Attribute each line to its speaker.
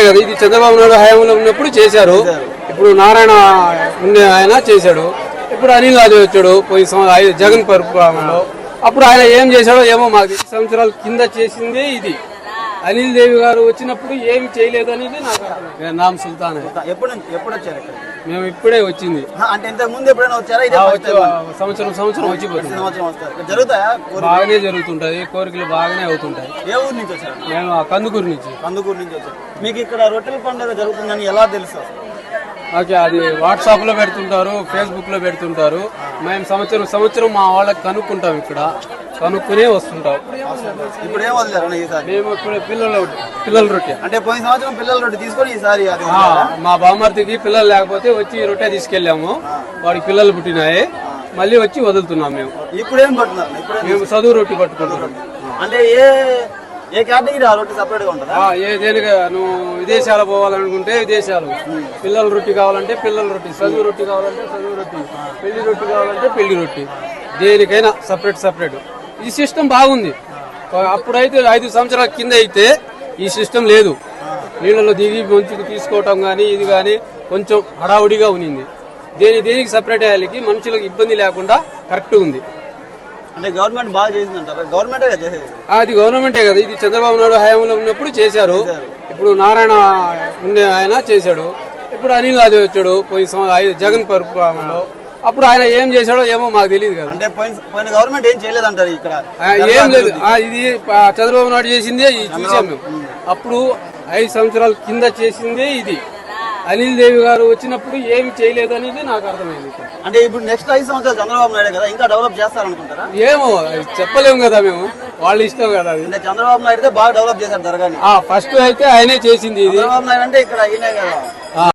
Speaker 1: కదా, ఇది చంద్రబాబు నాయుడు హయాంలో ఉన్నప్పుడు చేశారు. ఇప్పుడు నారాయణ ఆయన చేశాడు. ఇప్పుడు అనిల్ రాజు వచ్చాడు పోయి జగన్ పరిపాలనలో. అప్పుడు ఆయన ఏం చేశాడో ఏమో మాకు 10 సంవత్సరాల కింద చేసిందే ఇది. అనిల్ దేవి గారు వచ్చినప్పుడు ఏమి చేయలేదు అనేది నాకు నామ్ సుల్తాన్.
Speaker 2: ఎప్పుడు వచ్చారు?
Speaker 1: మేము ఇప్పుడే వచ్చింది.
Speaker 2: అంటే ఇంతకు ముందు ఎప్పుడైనా వచ్చారా?
Speaker 1: సంవత్సరం వచ్చిపోతుంది.
Speaker 2: జరుగుతాయా?
Speaker 1: బాగానే జరుగుతుంటది, కోరికలు బాగానే అవుతుంటాయి.
Speaker 2: ఏ ఊరు నుంచి వచ్చారు?
Speaker 1: మేము కందుకూరు నుంచి.
Speaker 2: కందుకూరు నుంచి వచ్చారు. మీకు ఇక్కడ రొట్టెల పండుగ జరుగుతుందని ఎలా తెలుసు?
Speaker 1: ఓకే, అది వాట్సాప్ లో పెడుతుంటారు, ఫేస్బుక్ లో పెడుతుంటారు. మేము సంవత్సరం మా వాళ్ళకి కనుక్కుంటాం, ఇక్కడ కనుక్కునే వస్తుంటాం.
Speaker 2: ఇప్పుడు ఏం వదిలేరు ఈసారి?
Speaker 1: మేము ఇప్పుడు పిల్లల రొట్టె
Speaker 2: అంటే పోయిన సంవత్సరం పిల్లల రొట్టె తీసుకొని ఈసారి
Speaker 1: మా బామ్మర్తికి పిల్లలు లేకపోతే వచ్చి రొట్టె తీసుకెళ్ళాము. వాడికి పిల్లలు పుట్టినాయి, మళ్ళీ వచ్చి వదులుతున్నాం. మేము
Speaker 2: ఇప్పుడు ఏం పట్టున్నారు?
Speaker 1: మేము చదువు రొట్టె పట్టుకుంటున్నాం.
Speaker 2: అంటే ఏ కేటగిరీ ఆ రొట్టె సపరేట్ గా ఉంటుందా?
Speaker 1: దేనిగా నువ్వు విదేశాలు పోవాలనుకుంటే విదేశాలు, పిల్లల రొట్టె కావాలంటే పిల్లల రొట్టె, చదువు రొట్టె కావాలంటే చదువు రొట్టె, పెళ్లి రొట్టె కావాలంటే పెళ్లి రొట్టె, దేనికైనా సపరేట్. ఈ సిస్టమ్ బాగుంది. అప్పుడైతే 5 సంవత్సరాల కింద అయితే ఈ సిస్టమ్ లేదు. నీళ్ళలో దిగి మంచుకు తీసుకోవటం కానీ ఇది కానీ కొంచెం హడావుడిగా ఉన్నింది. దేనికి సపరేట్ అయ్యాలికి మనుషులకు ఇబ్బంది లేకుండా కరెక్ట్ ఉంది.
Speaker 2: అంటే గవర్నమెంట్ బాగా చేసిందంటారా? గవర్నమెంటే కదా చేసేది.
Speaker 1: అది గవర్నమెంటే కదా, ఇది చంద్రబాబు నాయుడు హయాంలో ఉన్నప్పుడు చేశారు. ఇప్పుడు నారాయణ ఆయన చేశాడు. ఇప్పుడు అనిల్ రాజు వచ్చాడు పోయి జగన్ పరిపాలనలో. అప్పుడు ఆయన ఏం చేశాడో ఏమో మాకు తెలియదు కదా.
Speaker 2: అంటే పోయిన గవర్నమెంట్ ఏం చేయలేదంటారు ఇక్కడ?
Speaker 1: ఏం లేదు, ఇది చంద్రబాబు నాయుడు చేసిందే చూసాం మేము. అప్పుడు 5 సంవత్సరాల కింద చేసిందే ఇది. అనిల్ దేవి గారు వచ్చినప్పుడు ఏమి చేయలేదు అనేది నాకు అర్థమైంది.
Speaker 2: అంటే ఇప్పుడు నెక్స్ట్ 5 సంవత్సరాలు చంద్రబాబు నాయుడు కదా, ఇంకా డెవలప్ చేస్తారనుకుంటారా?
Speaker 1: ఏమో చెప్పలేము కదా, మేము వాళ్ళ ఇష్టం కదా.
Speaker 2: అంటే చంద్రబాబు నాయుడు బాగా డెవలప్ చేశారు దర్గాని.
Speaker 1: ఫస్ట్ అయితే ఆయనే చేసింది ఇది.
Speaker 2: చంద్రబాబు నాయుడు అంటే ఇక్కడ అయినాయి కదా.